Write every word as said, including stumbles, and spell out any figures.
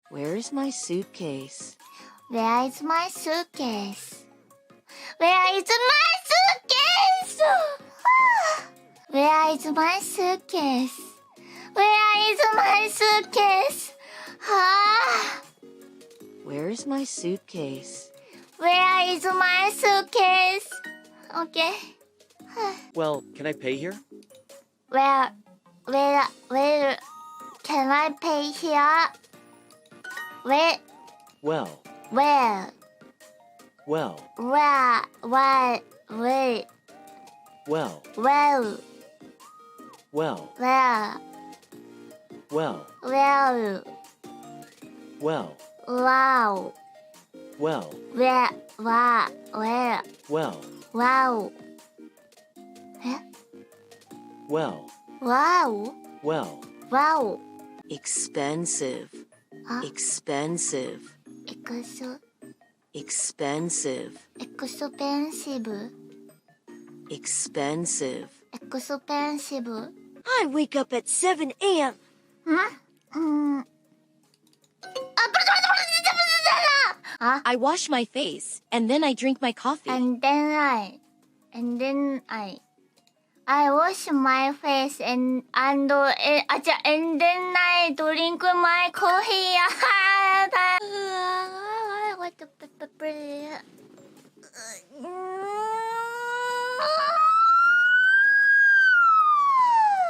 Where is my suitcase? Where is my suitcase? Where is my suitcase? Where is my suitcase? Where is my suitcase? Ah. Where is my suitcase? Where is my suitcase? Okay. Well, can I pay here? Where, where, where can I pay here? Where, Well, where, well, where, where, where, well, well, well, where, well, well, well, wow, well, where, where, where, well, wow. Eh? well, Wow, well, wow. Expensive. Huh? Expensive. Exo, Expensive. expensive, Expensive. expensive. I wake up at seven a m Huh? Hmm. Huh? I wash my face, and then I drink my coffee. And then I, and then I, I wash my face and and uh, eh, acha, and then I drink my coffee. What the?